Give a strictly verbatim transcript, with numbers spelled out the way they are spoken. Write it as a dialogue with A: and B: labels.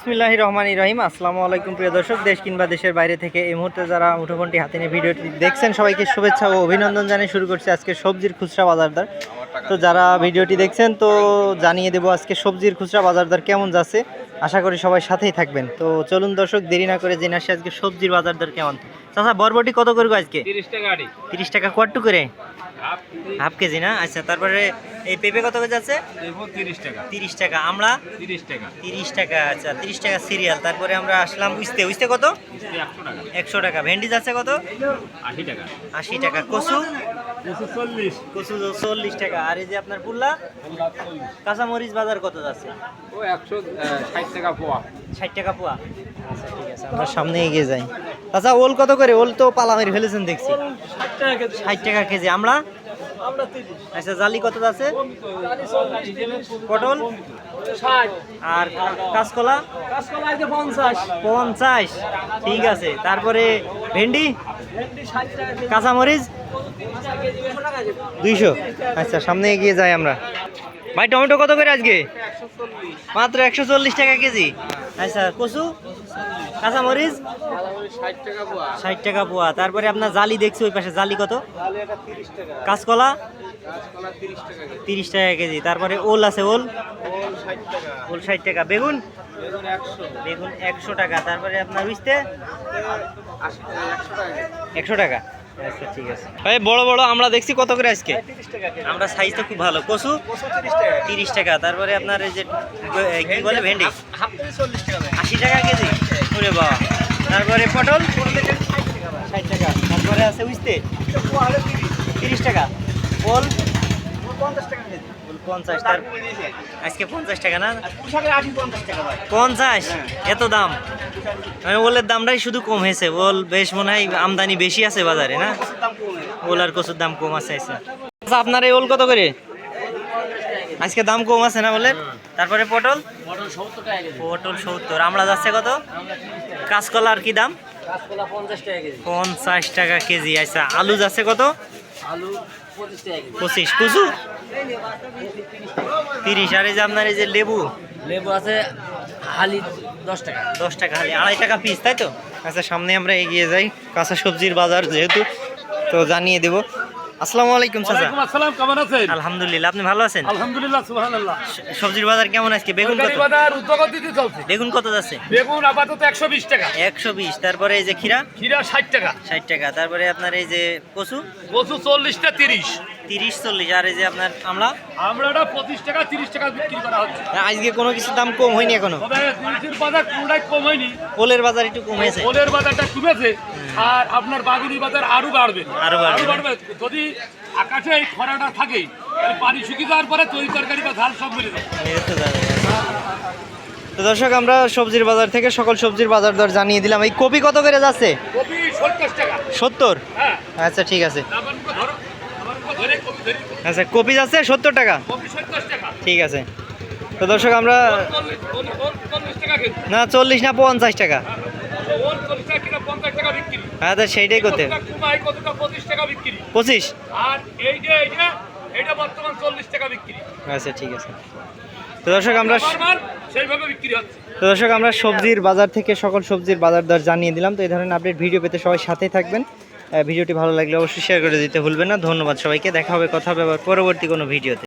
A: বিসমিল্লাহির রহমানির রহিম। আসসালামু আলাইকুম প্রিয় দর্শক, দেশ কিংবা দেশের বাইরে থেকে এই মুহূর্তে যারা মুঠোফোনটি হাতে নিয়ে ভিডিওটি দেখছেন সবাইকে শুভেচ্ছা ও অভিনন্দন জানিয়ে শুরু করছি আজকে সবজির খুচরা বাজার দর। তো যারা ভিডিওটি দেখছেন তো জানিয়ে দেবো আজকে সবজির খুচরা বাজার দর কেমন যাচ্ছে, আশা করি সবাই সাথেই থাকবেন। তো চলুন দর্শক, দেরি না করে জেনে আসি আজকে সবজির বাজার দর কেমন। চাচা বরবটি কত করে আজকে?
B: তিরিশ টাকা আড়ি।
A: তিরিশ টাকা কোয়াট্টু করে?
B: হাফ
A: হাফ কেজি না? আচ্ছা, তারপরে এই পেঁপে কত করে যাচ্ছে?
B: দেবো তিরিশ টাকা।
A: তিরিশ টাকা। আমলা
B: তিরিশ টাকা।
A: তিরিশ টাকা। আচ্ছা, তিরিশ টাকা সিরিয়াল। তারপরে আমরা আসলাম উস্তে। উস্তে কত?
B: মিষ্টি একশো টাকা।
A: একশো টাকা। ভেন্ডি যাচ্ছে কত?
B: আশি টাকা।
A: আশি টাকা। কচু?
B: দুশো চল্লিশ।
A: কচু চল্লিশ টাকা। আর এই যে আপনার পুল্লা কাঁচামরিচ বাজার কত যাচ্ছে?
B: ও একশো ষাট টাকা পোয়া।
A: ষাট টাকা পোয়া। আচ্ছা ঠিক আছে, আমরা সামনে এগিয়ে যাই। আচ্ছা, ওল কত করে? ওল তো পালা মেরে ফেলেছেন দেখছি।
B: ষাট টাকা কেজি।
A: ষাট টাকা কেজি। আমরা
B: আমরা তিরিশ।
A: আচ্ছা, জালি কত যাচ্ছে? পটল
B: ষাট।
A: আর কাঁচকলা?
B: কাঁচকলা আছে পঞ্চাশ।
A: পঞ্চাশ। ঠিক আছে। তারপরে ভেন্ডি?
B: ভেন্ডি ষাট টাকা কেজি।
A: কাঁচামরিচ দুইশো। আচ্ছা, সামনে এগিয়ে যাই আমরা। ভাই টমেটো কত করে আজকে?
B: একশো চল্লিশ।
A: মাত্র একশো চল্লিশ টাকা কেজি। আচ্ছা, কচু কাঁচামরিচ
B: ষাট টাকা পোয়া।
A: ষাট টাকা পোয়া। তারপরে আপনার জালি দেখছি ওই পাশে, জালি কত?
B: তাহলে এটা তিরিশ টাকা।
A: কাঁচকলা
B: কাঁচকলা তিরিশ টাকা কেজি।
A: তিরিশ টাকা কেজি। তারপরে ওল আছে, ওল
B: ওল ষাট টাকা।
A: ওল ষাট টাকা। বেগুন
B: বেগুন একশো।
A: বেগুন একশো টাকা। তারপরে আপনার উইস্তে
B: আশি টাকা। একশো টাকা কেজি।
A: একশো টাকা। আচ্ছা ঠিক আছে ভাই। বড় বড় আমরা দেখছি কত করে আজকে?
B: তিরিশ টাকা কেজি।
A: আমরা সাইজ তো খুব ভালো। কচু
B: কচু তিরিশ টাকা।
A: তিরিশ টাকা। তারপরে আপনার এই যে কি বলে ভেন্ডি
B: হাফ কেজি চল্লিশ টাকা।
A: আশি টাকা কেজি। ওরে বাবা। তারপরে পটল ষাট টাকা। তারপরে আছে উইস্তে তিরিশ টাকা। ওল
B: পঞ্চাশ টাকা কেজি।
A: ওল পঞ্চাশ। তার আজকে পঞ্চাশ টাকা না?
B: পুঁশাকের আশি পঞ্চাশ টাকা ভাই।
A: পঞ্চাশ? এত দাম? মানে ওলের দামটাই শুধু কম হয়েছে। ওল বেশ মনে হয় আমদানি বেশি আছে বাজারে না?
B: দাম কমে।
A: ওল আর কচুর দাম কম আছে। আচ্ছা, আপনার এই ওল কত করে আজকে? দাম কম আছে না ওলের? তারপরে পটল
B: পটল সত্তর টাকা কেজি।
A: পটল সত্তর। আমলা যাচ্ছে কত? কাঁচকলার কি দাম?
B: কাঁচকলা পঞ্চাশ টাকা কেজি।
A: পঞ্চাশ টাকা কেজি। আচ্ছা, আলু যাচ্ছে কত?
B: আলু পঁচিশ টাকা কেজি।
A: পঁচিশ। কুচু তিরিশ। আর এই যে আপনার এই যে লেবু
B: লেবু আছে হালি দশ টাকা।
A: দশ টাকা হালি, আড়াই টাকা পিস, তাই তো? আচ্ছা, সামনে আমরা এগিয়ে যাই। কাঁচা সবজির বাজার যেহেতু, তো জানিয়ে দেবো। আসসালামু আলাইকুম চাচা।
B: ওয়ালাইকুম আসসালাম, কেমন আছেন?
A: আলহামদুলিল্লাহ, আপনি ভালো আছেন?
B: আলহামদুলিল্লাহ, সুবহানাল্লাহ।
A: স- সবজির বাজার কেমন আজকে? বেগুন কত?
B: তরকারি বাজার উদ্যোগতিতে চলছে।
A: বেগুন কত যাচ্ছে?
B: বেগুন আপাতত একশো বিশ টাকা।
A: একশো বিশ। তারপরে এই যে খিরা
B: ক্ষীরা ষাট টাকা।
A: ষাট টাকা। তারপরে আপনার এই যে কচু
B: কচু চল্লিশটা তিরিশ।
A: তিরিশ চল্লিশ। আর এই যে আপনার আমলা
B: আমরা এটা পঁচিশ টাকা তিরিশ টাকা বিক্রি করা হচ্ছে।
A: আজকে কোনো কিছুর দাম কম হয়নি এখনো?
B: তবে জিনিসের বাজার কোনটাই কম হয়নি।
A: ওলের বাজার একটু কম হয়েছে।
B: ওলের বাজারটা কমেছে, আর আপনার বাগুনি বাজার আরো বাড়বে।
A: আরো বাড়বে।
B: বাড়বে যদি আকাশে এই খরাটা থাকে, তাহলে পানি শুকিয়ে যাওয়ার পরে তরি তরকারি বা ঝাল সব মিলে যাবে।
A: এই তো যাবে। তো দর্শক, আমরা সবজির বাজার থেকে সকল সবজির বাজার দর জানিয়ে দিলাম। এই কপি কত করে যাচ্ছে?
B: কপি সত্তর টাকা।
A: সত্তর।
B: হ্যাঁ,
A: আচ্ছা ঠিক আছে।
B: আমার মুখে ধরো, আমার মুখে ধরে কপি ধরি।
A: আচ্ছা, কপি যাচ্ছে সত্তর টাকা।
B: কপি সত্তর টাকা।
A: ঠিক আছে। তো দর্শক, আমরা
B: চল্লিশ, ওল- ওল চল্লিশ টাকা কেজি।
A: না চল্লিশ না পঞ্চাশ টাকা।
B: ওল চল্লিশ টাকা কিনা পঞ্চাশ টাকা বিক্রি।
A: হ্যাঁ, তো সেইটাই করতে
B: কতটা কুমাই, কতটা পঁচিশ টাকা বিক্রি।
A: পঁচিশ।
B: আর এই যে এইটা, এটা বর্তমান চল্লিশ টাকা বিক্রি।
A: আচ্ছা ঠিক আছে। তো দর্শক, আমরা
B: নরমাল সেইভাবে বিক্রি হচ্ছে।
A: তো দর্শক আমরা সবজির বাজার থেকে সকল সবজির বাজার দর জানিয়ে দিলাম। তো এই ধরনের আপডেট ভিডিও পেতে সবাই সাথেই থাকবেন। আহ, ভিডিওটি ভালো লাগলে অবশ্যই শেয়ার করে দিতে ভুলবেন না। ধন্যবাদ সবাইকে। দেখা হবে, কথা হবে আবার পরবর্তী কোনো ভিডিওতে।